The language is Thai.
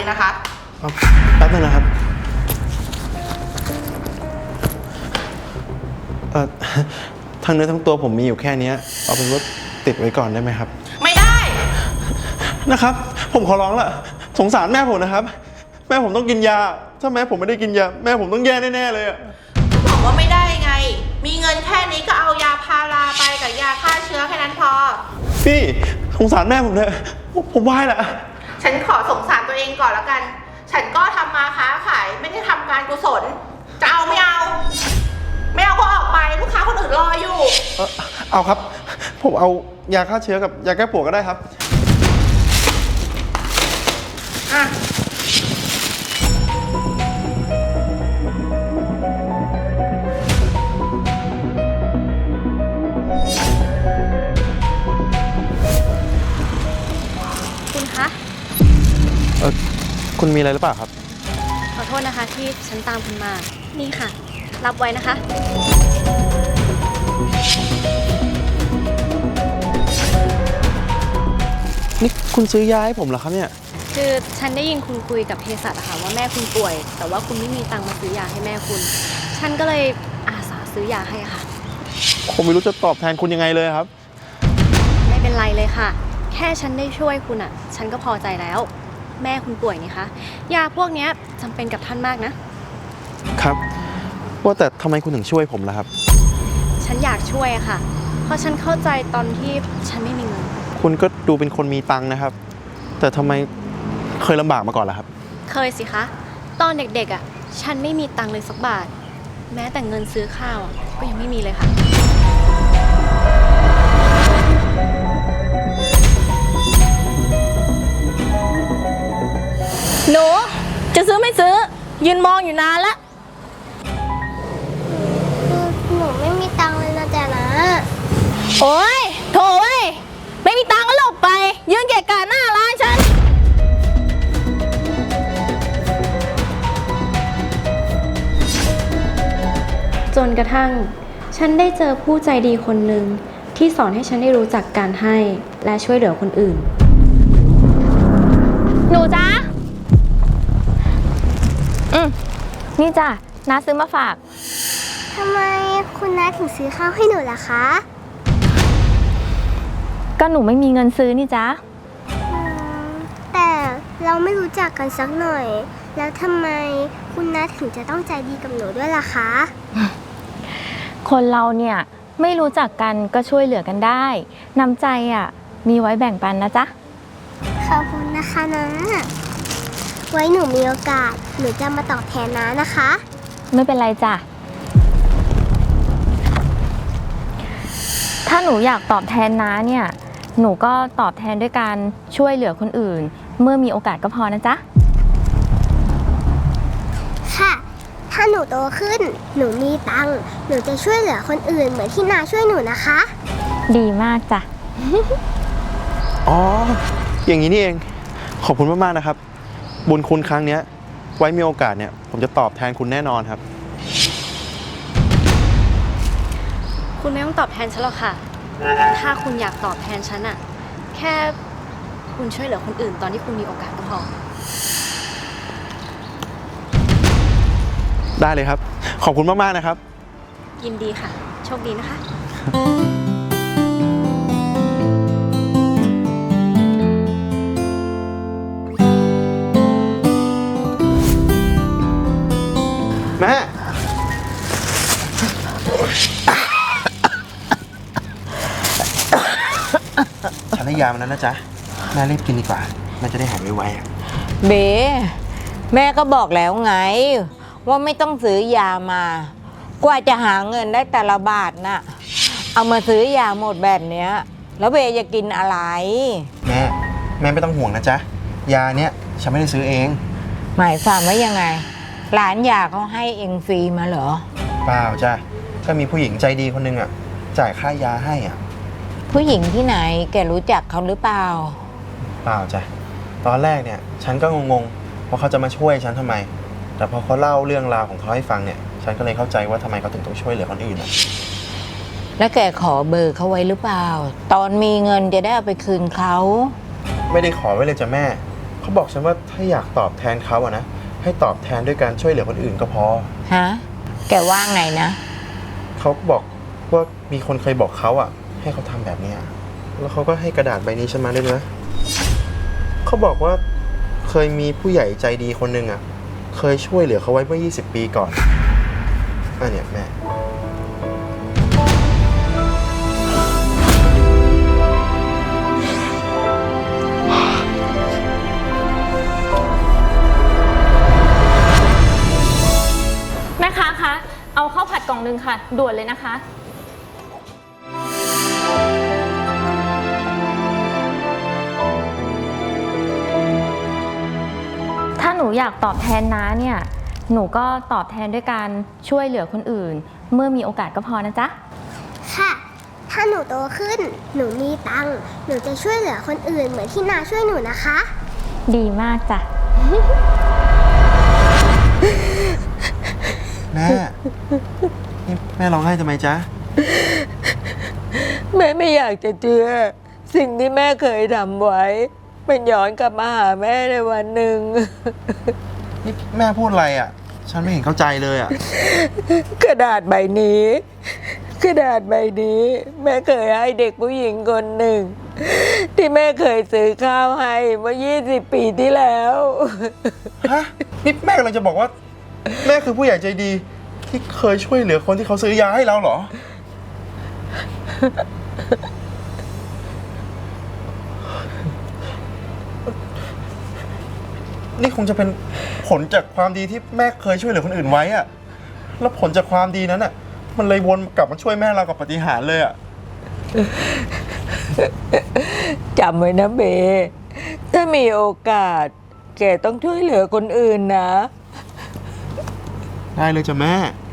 นะคะแป๊บนึงนะครับทั้งเนื้อทั้งตัวผมมีอยู่แค่นี้เอาเป็นว่าติดไว้ก่อนได้ไหมครับไม่ได้นะครับผมขอร้องละสงสารแม่ผมนะครับแม่ผมต้องกินยาถ้าแม่ผมไม่ได้กินยาแม่ผมต้องแย่แน่ๆเลยอะบอกว่าไม่ได้ไงมีเงินแค่นี้ก็เอายาพาราไปกับยาฆ่าเชื้อแค่นั้นพอพี่สงสารแม่ผมเลยผมไหว้ละฉันขอสงสารตัวเองก่อนแล้วกันฉันก็ทำมาค้าขายไม่ได้ทำการกุศลจะเอาไม่เอาไม่เอาก็ออกไปลูกค้าคนอื่นรออยู่เอาครับผมเอายาฆ่าเชื้อกับยาแก้ปวดก็ได้ครับอ่ะคุณคะคุณมีอะไรหรือเปล่าครับขอโทษนะคะที่ฉันตามคุณมานี่ค่ะรับไว้นะคะนี่คุณซื้อยาให้ผมเหรอครับเนี่ยคือฉันได้ยินคุณคุยกับเภสัชอะค่ะว่าแม่คุณป่วยแต่ว่าคุณไม่มีตังค์มาซื้อยาให้แม่คุณฉันก็เลยอาสาซื้อยาให้ค่ะผมไม่รู้จะตอบแทนคุณยังไงเลยครับไม่เป็นไรเลยค่ะแค่ฉันได้ช่วยคุณอะฉันก็พอใจแล้วแม่คุณป่วยนี่คะยาพวกนี้จำเป็นกับท่านมากนะครับว่าแต่ทำไมคุณถึงช่วยผมล่ะครับฉันอยากช่วยอะค่ะเพราะฉันเข้าใจตอนที่ฉันไม่มีเงินคุณก็ดูเป็นคนมีตังค์นะครับแต่ทำไมเคยลำบากมาก่อนล่ะครับเคยสิคะตอนเด็กๆอ่ะฉันไม่มีตังค์เลยสักบาทแม้แต่เงินซื้อข้าวก็ยังไม่มีเลยค่ะหนูจะซื้อไม่ซื้อยืนมองอยู่นานละหนูไม่มีตังค์เลยนะจ๊ะนะโอ้ยโถเว้ยไม่มีตังค์ก็หลบไปยืนเกะกะหน้าร้านฉันจนกระทั่งฉันได้เจอผู้ใจดีคนหนึ่งที่สอนให้ฉันได้รู้จักการให้และช่วยเหลือคนอื่นหนูจ๊ะนี่จ้ะน้าซื้อมาฝากทำไมคุณน้าถึงซื้อข้าวให้หนูล่ะคะก็หนูไม่มีเงินซื้อนี่จ๊ะแต่เราไม่รู้จักกันสักหน่อยแล้วทำไมคุณน้าถึงจะต้องใจดีกับหนูด้วยล่ะคะคนเราเนี่ยไม่รู้จักกันก็ช่วยเหลือกันได้น้ำใจอ่ะมีไว้แบ่งปันนะจ๊ะขอบคุณนะคะนะไว้หนูมีโอกาสหนูจะมาตอบแทนน้านะคะไม่เป็นไรจ้ะถ้าหนูอยากตอบแทนน้าเนี่ยหนูก็ตอบแทนด้วยการช่วยเหลือคนอื่นเมื่อมีโอกาสก็พอนะจ๊ะค่ะถ้าหนูโตขึ้นหนูมีตังค์หนูจะช่วยเหลือคนอื่นเหมือนที่น้าช่วยหนูนะคะดีมากจ้ะอ๋ออย่างนี้นี่เองขอบคุณมากๆนะครับบุญคุณครั้งนี้ไว้มีโอกาสเนี่ยผมจะตอบแทนคุณแน่นอนครับคุณไม่ต้องตอบแทนฉันหรอกค่ะถ้าคุณอยากตอบแทนฉันอะแค่คุณช่วยเหลือคนอื่นตอนที่คุณมีโอกาสก็พอได้เลยครับขอบคุณมากๆนะครับยินดีค่ะโชคดีนะคะแม่ฉันให้ยามันนั้นนะจ๊ะแม่รีบกินดีกว่าแม่จะได้หายไวๆเบ๋แม่ก็บอกแล้วไงว่าไม่ต้องซื้อยามากว่าจะหาเงินได้แต่ละบาทน่ะเอามาซื้อยาหมดแบบเนี้ยแล้วเบ๋จะกินอะไรแม่ไม่ต้องห่วงนะจ๊ะยาเนี้ยฉันไม่ได้ซื้อเองหมายความว่ายังไงหลานยาเขาให้เองฟรีมาเหรอเปล่าจ้ะก็มีผู้หญิงใจดีคนนึงอ่ะจ่ายค่ายาให้อ่ะผู้หญิงที่ไหนแกรู้จักเขาหรือเปล่าเปล่าจ้ะตอนแรกเนี่ยฉันก็งงๆว่าเขาจะมาช่วยฉันทำไมแต่พอเขาเล่าเรื่องราวของเขาให้ฟังเนี่ยฉันก็เลยเข้าใจว่าทำไมเขาถึงต้องช่วยเหลือคนอื่นอ่ะแล้วแกขอเบอร์เขาไว้หรือเปล่าตอนมีเงินจะได้เอาไปคืนเขาไม่ได้ขอไว้เลยจ้ะแม่เขาบอกฉันว่าถ้าอยากตอบแทนเขาอะนะให้ตอบแทนด้วยการช่วยเหลือคนอื่นก็พอฮะ แกว่าไงนะเขาก็บอกว่ามีคนเคยบอกเขาอะให้เขาทำแบบเนี้ยแล้วเขาก็ให้กระดาษใบนี้ฉันมาด้วยนะเขาบอกว่าเคยมีผู้ใหญ่ใจดีคนหนึ่งอะเคยช่วยเหลือเขาไว้เมื่อ 20 ปีก่อนเนี่ยแม่แม่ค้าคะ เอาข้าวผัดกล่องนึงค่ะ ด่วนเลยนะคะ ถ้าหนูอยากตอบแทนน้าเนี่ย หนูก็ตอบแทนด้วยการช่วยเหลือคนอื่น เมื่อมีโอกาสก็พอนะจ๊ะค่ะ ถ้าหนูโตขึ้น หนูมีตังค์ หนูจะช่วยเหลือคนอื่นเหมือนที่นาช่วยหนูนะคะดีมากจ้ะแม่นี่แม่ร้องไห้ทำไมจ๊ะแม่ไม่อยากจะเชื่อสิ่งที่แม่เคยทำไว้มันย้อนกลับมาหาแม่ในวันหนึ่งนี่แม่พูดอะไรอ่ะ ฉันไม่เห็นเข้าใจเลยอ่ะกระดาษใบนี้ กระดาษใบนี้ แม่เคยให้เด็กผู้หญิงคนหนึ่ง ที่แม่เคยซื้อข้าวให้เมื่อ 20 ปีที่แล้วฮะ นี่แม่กำลังจะบอกว่า แม่คือผู้ใหญ่ใจดี ที่เคยช่วยเหลือคนที่เขาซื้อยาให้เราเหรอ นี่คงจะเป็นผลจากความดีที่แม่เคยช่วยเหลือคนอื่นไว้อะแล้วผลจากความดีนั้นอะมันเลยวนกลับมาช่วยแม่เรากับปาฏิหาริย์เลยอะจำไว้นะเบ ถ้ามีโอกาส แกต้องช่วยเหลือคนอื่นนะได้เลยจ้ะแม่